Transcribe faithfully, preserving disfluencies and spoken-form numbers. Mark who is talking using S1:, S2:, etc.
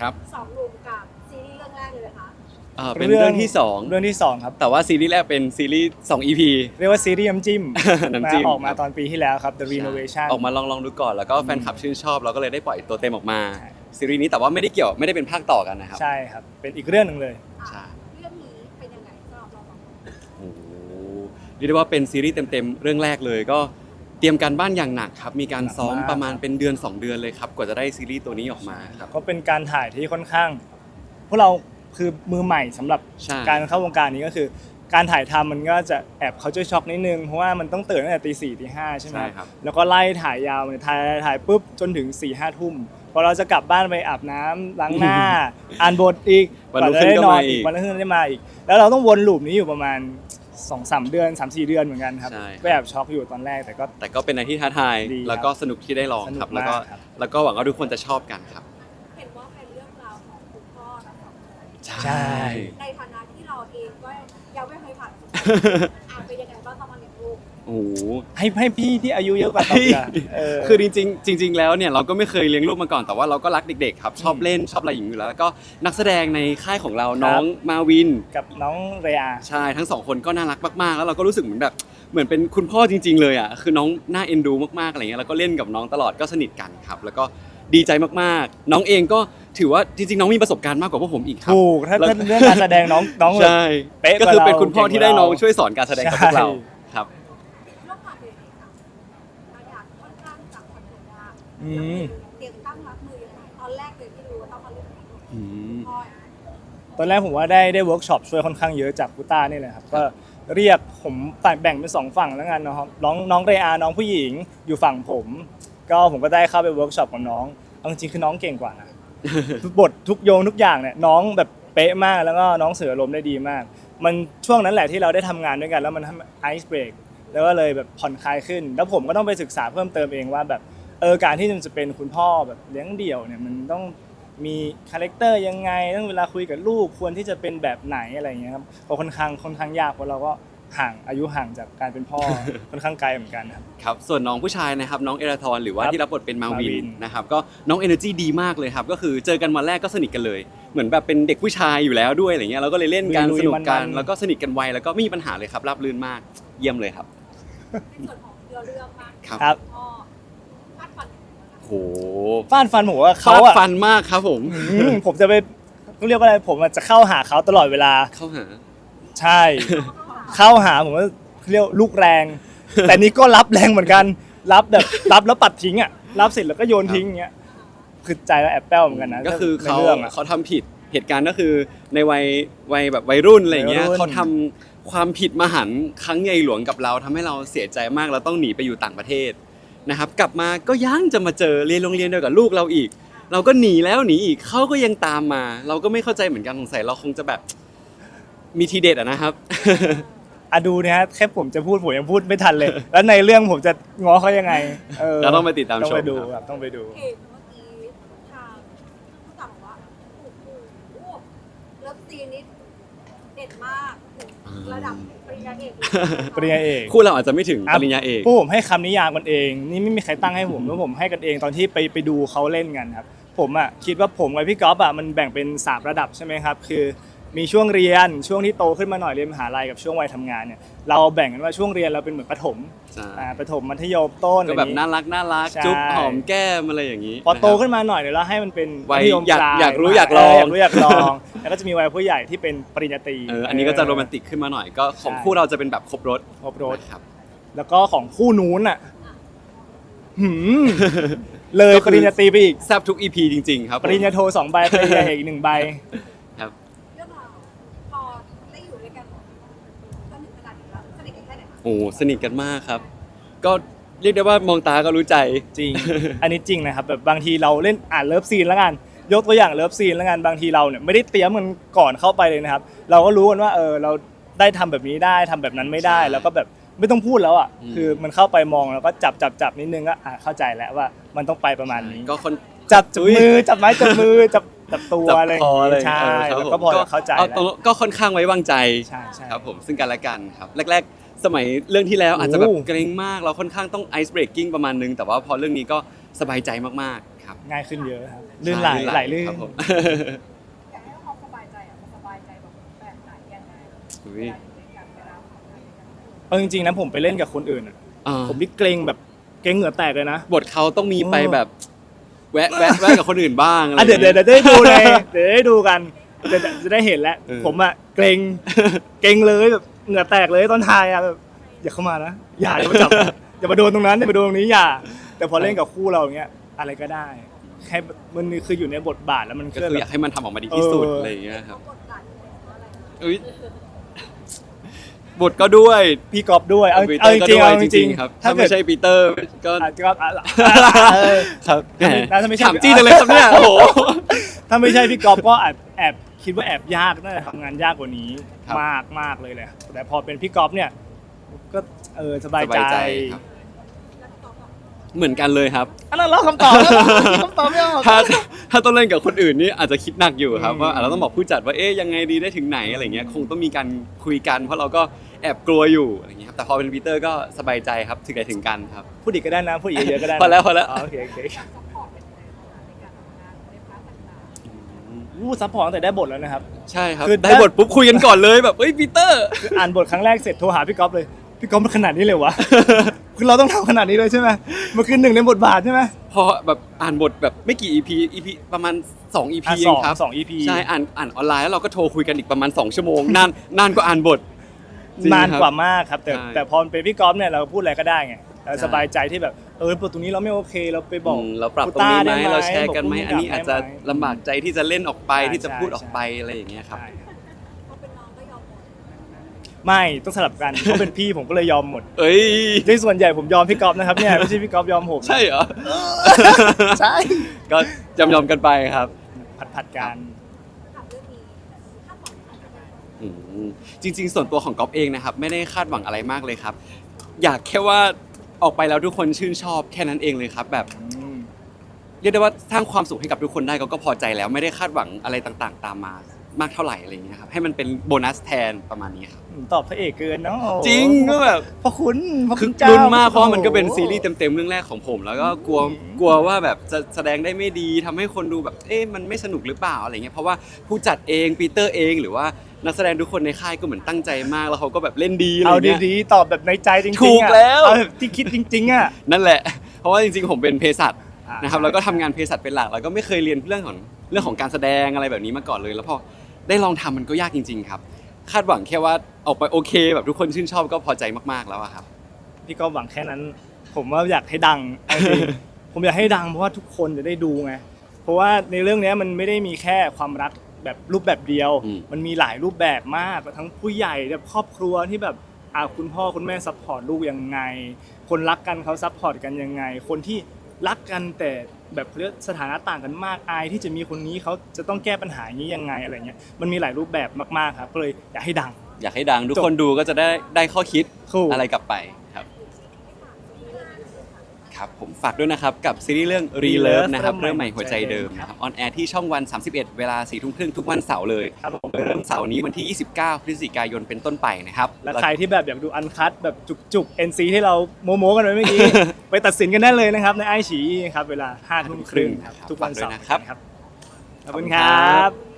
S1: ครับ
S2: สองหนุ่มกับซีรีส์เรื่องแรกเลยนะคะ
S1: อ่าเป็นเรื่องที่สอง
S3: เรื่องที่สองครับ
S1: แต่ว่าซีรีส์แรกเป็นซีรีส์สอง อี พี
S3: เรียกว่าซีรีส์น้ำจิ้ม
S1: น้ำจิ้ม
S3: ออกมา
S1: ครับ
S3: ตอนปีที่แล้วครับ The Renovation
S1: ออกมาลองลองดูก่อนแล้วก็แฟนคลับชื่นชอบเราก็เลยได้ปล่อยตัวเต็มออกมาซีรีส์นี้แต่ว่าไม่ได้เกี่ยวไม่ได้เป็นภาคต่อกันนะครับ
S3: ใช่ครับเป็นอีกเรื่องหนึ่งเลย
S1: ใช่
S2: เรื่องนี้เป็นยังไงสำหรับเราสองคน
S1: โอ้โหเรียกได้ว่าเป็นซีรีส์เต็มๆเรื่องแรกเลยก็เตรียมการบ้านอย่างหนักครับมีการซ้อม
S3: หนักมาก
S1: ประมาณเป็นเดือนสองเดือนเลยครับกว่าจะได้ซีรีส์ตัวนี้ออกมาครับ
S3: ก็เป็นการถ่ายที่ค่อนข้างพวกเราคือมือใหม่สำหรับ
S1: ใช่
S3: การเข้าวงการนี้ก็คือ การถ่ายทำมันก็จะแอบเขาจะช็อกนิดนึงเพราะว่ามันต้องตื่นตั้งแต่ตีสี่ตีห้าใช่ไหม
S1: ใช่ครับ
S3: แล้วก็ไล่ถ่ายยาวเลยถ่ายถ่ายปุ๊บจนถึงสี่ห้าทุ่มพอเราจะกลับบ้านไปอาบน้ำล้างหน้า อ่านบทอีก
S1: วันรุ่งขึ้นก็มาอีก
S3: วันรุ่งขึ้นได้มาอีก แล้วเราต้องวนลูปนี้อยู่ประมาณสองสามเดือนสามสี่เดือนเหมือนกันครับ
S1: ใช่
S3: ก็แอบช็อกอยู่ตอนแรกแต่ก็
S1: แต่ก็เป็นอะไรที่ท้าทาย
S3: ดีครับ
S1: แล้วก็สนุกที่ได้ลองครับ
S3: สนุก
S1: แล้วก็
S3: มากครับ
S1: แล้วก็หวังว่าทุกคนจะชอบกันครับ
S2: เห็นว่าเป็นเรื่องราวของคุณพ่อทั้งสองคน
S3: ใช่
S2: ในฐานะที่เราเองก็ยังไม่เคยผ่านอ่านเป็นยังไงบ้างตอนมาเลี้ยงลูก
S1: โอ้โห
S3: ให้ให้พี่ที่อายุเยอะกว่าตอบดีกว่าเออ
S1: คือจริงๆจริง ๆ แล้วเนี่ยเราก็ไม่เคยเลี้ยงลูกมาก่อนแต่ว่าเราก็รักเด็กๆครับชอบเล่นชอบอะไรอย่างนี้อยู่แล้วแล้วก็นักแสดงในค่ายของเรา
S3: ครับ
S1: น้องมาวิน
S3: กับน้องเรอา
S1: ใช่ทั้งสองคนก็น่ารักมากๆแล้วเราก็รู้สึกเหมือนแบบเหมือนเป็นคุณพ่อจริง ๆ เลยอ่ะคือน้องน่าเอ็นดูมากๆอะไรเงี้ยแล้วก็เล่นกับน้องตลอดก็สนิทกันครับแล้วก็ดีใจมากๆ น้องเองก็ถือว่าจริงๆน้องมีประสบการณ์มากกว่าพวกผมอีกครับ
S3: ถูกถ้า
S1: แล้ว
S3: ถ้าเรื่องการแสดงน้องน้องแบบ
S1: ใช่
S3: เป๊ะก
S1: ก็
S3: ว่า
S1: คือ
S3: เรา
S1: เป็นคุณพ่อที่ได้น้อง
S3: เก่งกว่าเรา
S1: ช่วยสอนการแสดงกับพวกเรา
S3: ใช่
S1: ครับ
S2: เรื่องผ่านเลยค่ะมาอยากค่อนข้างจากคนอื่นว่า
S3: อืม
S2: เตรียมตั้งรับมือยังไงตอนแรกเลยที่รู้ว่าต้องมาเล่นกับลูก
S1: อืม
S2: พ่อ
S3: ตอนแรกผมว่าได้ได้เวิร์กช็อปช่วยค่อนข้างเยอะจากพุต้านี่แหละครับก็เรียกผมแบ่งเป็นสองฝั่งแล้วกันนะครับน้องน้องเรอาน้องผู้หญิงอยู่ฝั่งผม ก็ผมก็ได้เข้าไปเวิร์กช็อปกับน้องเอาจริงๆคือน้องเก่งกว่านะ บททุกโยงทุกอย่างเนี่ยน้องแบบเป๊ะมากแล้วก็น้องเสือลมณ์ได้ดีมาก มันช่วงนั้นแหละที่เราได้ทำงานด้วยกันแล้วมันทำไอซ์เบรกแล้วก็เลยแบบผ่อนคลายขึ้น แล้วผมก็ต้องไปศึกษาเพิ่มเติมเองว่าแบบเออการที่มันจะเป็นคุณพ่อแบบเลี้ยงเดี่ยวเนี่ยมันต้องมีคาแรคเตอร์ยังไงต้องเวลาคุยกับลูกควรที่จะเป็นแบบไหนอะไรอย่างเงี้ยครับก็ค่อนข้างค่อนข้างยากเพราะเราก็ห่างอายุห่างจากการเป็นพ่อ ค่อนข้างไกลเหมือนกันครับ
S1: ครับส่วนน้องผู้ชายนะครับน้องเอราทอนหรือว่า
S3: ครับ
S1: ที่รับบทเป็นมาวิ
S3: มาวิ
S1: น
S3: น
S1: นะครับก็น้องเอเนอร์จีดีมากเลยครับก็คือเจอกันวันแรกก็สนิทกันเลย เหมือนแบบเป็นเด็กผู้ชายอยู่แล้วด้วยอะไรเงี้ยเราก็เลยเล่นกัน
S3: ลุยๆ
S1: สนุกกัน
S3: มันๆ
S1: แล้วก็สนิทกันไวแล้วก็ไม่มีปัญหาเลยครับราบรื่นมากเยี่ยมเลยครับ
S2: ในส่วนของเรือเรื่องมาก
S1: ครับ
S3: ครับ
S2: พ่อฟาดฟัน
S1: โห
S3: ฟาดฟันผมว่า
S1: เขา
S3: เขาอะ
S1: ฟันมากครับผม
S3: อืมผมจะไปเขาเรียกว่าอะไรผมอะจะเข้าหาเขาตลอดเวลา
S1: เข้าหา
S3: ใช่ เข้าหาผมว่าเรียกลูกแรง แต่นี่ก็รับแรงเหมือนกัน รับแบบรับแล้วปัดทิ้งอ่ะรับเสร็จแล้วก็โยนทิ้งอย่างเงี้ยคือใจเราแอบแป้วเหมือนกันนะ
S1: ก็คือ
S3: ใน
S1: เขา
S3: รื่องอะ
S1: เขาทำผิดเหตุการณ์ก็คือในวัยวัยแบบวัยรุ่นอะไรเงี้ย
S3: วัยรุ่น
S1: เขาทำความผิดมหันต์ครั้งใหญ่หลวงกับเราทำให้เราเสียใจมากเราต้องหนีไปอยู่ต่างประเทศนะครับกลับมาก็ยังจะมาเจอเรียนโรงเรียนเดียวกับลูกเราอีก เราก็หนีแล้วหนีอีกเขาก็ยังตามมา เราก็ไม่เข้าใจเหมือนกันสงสัยเราคงจะแบบมีทีเด็ดอะนะครับ
S3: อะดูนะฮะแค่ผมจะพูดผมยังพูดไม่ทันเลย แล้วในเรื่องผมจะง้อเขายังไงเออ
S1: เราต้องไปติดตาม
S3: ต้อง
S1: ชม
S3: ไปดู
S1: ครับ
S3: ครับต้องไปดู
S2: เห็นเมื่อกี้ทางผู้จัดบอกว่าโอ้โหเลิฟซีนนี้เด็ดมากถึงระดับปริญญาเอกเลย
S3: ปริญญาเอก
S1: คู่เราอาจจะไม่ถึงปริญญาเอก
S3: พวกผมให้คำนิยามกันเอง นี่ไม่มีใครตั้งให้ผมแล้วผมให้กันเองตอนที่ไปไปดูเขาเล่นกันครับผมอ่ะคิดว่าผมกับพี่ก๊อฟอ่ะมันแบ่งเป็นสามระดับใช่ไหมครับคือมีช่วงเรียนช่วงที่โตขึ้นมาหน่อยเรียนมหาลัยกับช่วงวัยทำงานเนี่ยเราแบ่งกันว่าช่วงเรียนเราเป็นเหมือนประถม
S1: ใช่
S3: อ่าประถมมัธยมต้น
S1: ก็แบบ
S3: อะไรอย่งงี้
S1: น่ารักน่ารัก
S3: ใช่
S1: จุ๊บหอมแก้มอะไรอย่างนี้
S3: พอโต
S1: ะครับ
S3: ขึ้นมาหน่อยเดี๋ยวเราให้มันเป็น
S1: วัย
S3: มัธยม
S1: อยาก
S3: ปล
S1: อยากรู้อยากลอง
S3: เอยากรู้อยากลอง แล้วก็จะมีวัยผู้ใหญ่ที่เป็นปริญญาตรี
S1: เอออันนี้ก็จะโรแมนติกขึ้นมาหน่อยก็ของ
S3: ใช่
S1: คู่เราจะเป็นแบบครบรถ
S3: ครบรถ
S1: นะครับ
S3: แล้วก็ของคู่นู้นอ่ะหืมเลย
S1: ก็คือ
S3: ปริญญาตรีไปอีก
S1: แซ่บทุก อี พี จริง ๆ ครับผม
S3: ปริญญาโทสองใบปริญญาเอกอีกหนึ่งใบ
S1: ครับ
S2: เรื่องราวพอได้อยู่ด้วยกันจนถึงขนาดนี้แล้วสนิทกันแค่ไหนคะ
S1: โอ้สนิทกันมากครับ ก็เรียกได้ว่ามองตาก็รู้ใจ
S3: จริง อันนี้จริงนะครับแบบบางทีเราเล่นอ่านเลิฟซีนแล้วกันยกตัวอย่างเลิฟซีนแล้วกันบางทีเราเนี่ยไม่ได้เตรียมมันก่อนเข้าไปเลยนะครับ เราก็รู้กันว่าเออเราได้ทำแบบนี้ได้ทำแบบนั้นไม่ได้
S1: ใช่
S3: แล้วก็แบบไม่ต้องพูดแล้วอ่ะ
S1: อืม
S3: คือมันเข้าไปมองแล้วก็จับจับจับนิดนึงก็อ่ะเข้าใจแล้วว่ามันต้องไปประมาณนี้
S1: ก็คน
S3: จับจับ
S1: อุ๊ย
S3: มือจับไม้จับมือจับจับตัว
S1: จับ
S3: อะไรอย่าง
S1: คออะไร
S3: งี้ใช่
S1: เออครับ
S3: แล้ว
S1: ผม
S3: ก็พอจะเข้าใจ
S1: อ
S3: แล้ว
S1: ตรงก็ค่อนข้างไว้วางใจ
S3: ใช่ใช่
S1: ครับผมซึ่งกันและกันครับแรกๆ สมัยเรื่องที่แล้วอาจจะแบบ
S3: โอ้
S1: เกรงมากเราค่อนข้างต้องไอซ์เบรกกิ้งประมาณนึงแต่ว่าพอเรื่องนี้ก็สบายใจมากๆครับ
S3: ง่ายขึ้นเยอะครับลื่นไหลไหลลื่น
S1: ครับผม
S2: อยากให้เขาสบายใจอ่ะสบายใจแบบแบบไหนยังไง
S1: อุ๊
S2: เวย ลาอยู่ด้วยกันเวลาทำงานด้วยกัน
S3: เอาจริงๆนะผมไปเล่นกับคนอื่นอะ
S1: อ่า
S3: ผมนี่เกรงแบบเกรงเหงื่อแตกเลยนะ
S1: บทเขาต้องมีไปแบบแวะแวะแวะกับคนอื่นบ้างอะไร
S3: อ่ะเดี๋ยวเดี๋ยวเดี๋ยวได้ดูเลยเดี๋ยวได้ดูกันเดี๋ยวจะได้เห็นแล้ว
S1: เออ
S3: ผมอะเกรงเกรงเลยแบบเหงื่อแตกเลยตอนถ่ายอะแบบอย่าเข้ามานะอย่าอย่ามาจับอย่ามาโดนตรงนั้นอย่ามาโดนตรงนี้อย่า แต่พอเล่นกับคู่เราอย่างเงี้ยอะไรก็ได้แค่มันคืออยู่ในบทบาทแล้วมัน
S1: ก็
S3: เคลื่อน
S1: คือ
S3: แบ
S1: อยา
S3: บ
S1: กให้มันทำออกมาดีที่สุด
S3: เอออ
S1: อะไรอย่างเงี้ยครับ
S2: กดดันเพราะอะไรนะ
S1: อุ้ยบทก็ด้วย
S3: พี่กอฟด้วยเอา
S1: ปีเต
S3: เอา
S1: อ
S3: จ
S1: ร์ก็
S3: ริง
S1: ด้
S3: ๆ
S1: วย
S3: เอา
S1: จ
S3: จ
S1: ริ
S3: ริ
S1: ง
S3: ง
S1: ๆครับ
S3: ๆ
S1: ถ้าไม่ใช่ปีเตอร์ก็
S3: อาจจะอ่ะเออ
S1: ครับ
S3: น่าจะไม่ใช่
S1: ถามจี้เลยครับเนี่ยโอ้โห
S3: ถ้าไม่ใช่พี่กอฟก็อาจแอบคิดว่าแอบยากน่าจะทำงานยากกว่านี้
S1: ครับ
S3: มากมากเลยแหละแต่พอเป็นพี่กอฟเนี่ยก็เออสบาย
S1: สบายใจ
S3: ใจ
S1: ครับ เหมือนกันเลยครับ
S3: อันนั้นเราคำตอบแล้วคำตอบไม่ออก
S1: ถ้าถ้าต้องเล่นกับคนอื่นนี่อาจจะคิดหนักอยู่ครับ
S3: อืม
S1: ว่าอ่ะเราต้องบอกผู้จัดว่าเอ๊ยยังไงดีได้ถึงไหนอะไรเงี้ยคงต้องมีการคุยกัน เพราะเราก็แอบกลัวอยู่อะไรเงี้ยครับแต่พอเป็นปีเตอร์ก็สบายใจครับถึงไหนถึงกันครับ
S3: พูดอีกก็ได้นะพูดอีกเยอะๆก็ได้นะ
S1: พอแล้วพอแล้ว
S3: โอเคโอเค
S2: ซัพพอร์ตเป็นยังไงบ้างในการทำงานในพาร์ทต่าง
S3: วู้ซัพพอร์ตตั้งแต่ได้บทแล้วนะครับ
S1: ใช่ครับ
S3: คือ
S1: ได้บทปุ๊บคุยกันก่อนเลยแบบเอ้ยปีเตอร์
S3: คืออ่านบทครั้งแรกเสร็จโทรหาพี่กอฟเลยพี่กอฟมันขนาดนี้เลยวะ คือเราต้องทำขนาดนี้เลยใช่ไหมมันคือหนึ่งในบทบาทใช่ไหม
S1: พอแบบอ่านบทแบบไม่กี่ อี พี อี พี ประมาณสอง อี พี
S3: อ่ะ
S1: เอ
S3: สอง ง
S1: ครับ
S3: สอง อี พี
S1: ใช่อ่านอ่านออนไลน์แล้วเราก็โทรคุยกันอีกประมาณสองชั่วโมงนานนานกว่าอ่านบทจริง
S3: นาน
S1: ครับ
S3: กว่ามากครับแต่
S1: ใช่
S3: แต่พอเป็นพี่กอฟเนี่ยเราพูดอะไรก็ได้ไงเรา
S1: ใช่
S3: สบายใจที่แบบเออตรงนี้เราไม่โอเคเราไปบอก
S1: อืมเราปรับตรงนี้ไหม
S3: กูต้าด้
S1: เราแชร์กันไหม
S3: บ
S1: อันนี้อาจจะ
S3: ได้ไหม
S1: ลำบากใจที่จะเล่นออกไป
S3: ใช่
S1: ที่จะพูด
S3: ใช่
S1: ออกไปอะไรอย่างเงี้ยครับ
S3: ใช่ครับ
S2: ๆพอเป็นน้องก็ยอมหมด
S3: ไม่ต้องสลับกันเพราะเป็นพี่ผมก็เลยยอมหมด
S1: เอ้ย
S3: ในส่วนใหญ่ผมยอมพี่กอฟนะครับเนี่ยไม่ใช่พี่กอฟยอมผม
S1: ใช่เหรอ
S3: ใช่
S1: ก็ยอมยอมๆกันไปครับ
S3: ผัดผัดๆกัน
S2: ถามเรื่องนี้คาดหวังอะไร
S1: อืมจริง ๆ ส่วนตัวของก๊อฟเองนะครับ ไม่ได้คาดหวังอะไรมากเลยครับ อยากแค่ว่าออกไปแล้วทุกคนชื่นชอบแค่นั้นเองเลยครับ แบบ
S3: อืม
S1: เรียกได้ว่าสร้างความสุขให้กับทุกคนได้ก็ก็พอใจแล้วไม่ได้คาดหวังอะไรต่างๆ ตามมามากเท่าไหร่อะไรอย่างเงี้ยครับให้มันเป็นโบนัสแทนประมาณนี้ครับ
S3: ตอบพระเอกเกินเนาะ
S1: จริงก็แบบ
S3: พระคุณพระ
S1: คื
S3: คุ
S1: อ
S3: ณเจ้า
S1: ลุ้นมากเพราะว่ามันก็เป็น
S3: โอ้โห
S1: ซีรีส์เต็มๆเรื่องแรกของผม แล้วก็กลัวกลัวว่าแบบจะแสดงได้ไม่ดีทำให้คนดูแบบเอ๊ะมันไม่สนุกหรือเปล่าอะไรเงี้ยเพราะว่าผู้จัดเองปีเตอร์เองหรือว่านักแสดงทุกคนในค่ายก็เหมือนตั้งใจมากแล้วเขาก็แบบเล่นดีอะไร
S3: เอา
S1: เงี้ย
S3: ดีๆตอบแบบในใจจริงๆ
S1: ถูก
S3: อะ
S1: แล้ว
S3: เอาแบบที่คิดจริงๆอ่ะ
S1: นั่นแหละ เพราะว่าจริงๆผมเป็นเภสัช
S3: อ่าน
S1: นะครับ
S3: ใช่
S1: แล้วก็ทำงานเภสัชเป็นหลักแล้วก็ไม่เคยเรียนเรื่องของเรื่องของการแสดงอะไรแบบนี้มาก่อนเลย แล้วพอได้ลองทำมันก็ยากจริง ๆ ครับ คาดหวังแค่ว่าออกไปโอเค แบบทุกคนชื่นชอบก็พอใจมากๆแล้วอะครับ
S3: พี่ก็หวังแค่นั้น ผมว่าอยากให้ดังเอาจริง ผมอยากให้ดังเพราะว่าทุกคนจะได้ดูไงเพราะว่าในเรื่องเนี้ยมันไม่ได้มีแค่ความรักแบบรูปแบบเดียว
S1: อืม
S3: มันมีหลายรูปแบบมากทั้งผู้ใหญ่แบบครอบครัวที่แบบอ่าคุณพ่อคุณแม่ซัพพอร์ตลูกยังไง คนรักกันเขาซัพพอร์ตกันยังไง คนที่รักกันแต่แบบเขาเรียกสถานะต่างกันมากอายที่จะมีคนนี้เขาจะต้องแก้ปัญหาอย่างนี้ยังไงอะไรเงี้ยมันมีหลายรูปแบบมากๆครับก็เลยอยากให้ดัง
S1: อยากให้ดังทุกคนดูก็จะได้ได้ข้อคิด
S3: ถูก
S1: อะไรกลับไปครับ ครับผมฝากด้วยนะครับกับซีรีส์เรื่อง Relove นะครับเริ่มใหม่หัวใจเดิมนะครับออนแอร์ที่ช่องวัน สามสิบเอ็ด เวลาสี่ทุ่มครึ่งทุกวันเสาร์เลย
S3: ครับผม
S1: เริ่มเสาร์นี้วันที่ ยี่สิบเก้า พฤศจิกายนเป็นต้นไปนะครับ
S3: และใครที่แบบอยากดูอันคัตแบบจุกๆ เอ็น ซี ที่เราโมโมกันไว้เมื่อกี้ ไปตัดสินกันได้เลยนะครับในไอฉีครับเวลาห้าทุ่มครึ่งครับทุกวันเสาร์
S1: ฝากด้วยนะครับ
S3: ขอบคุณครับ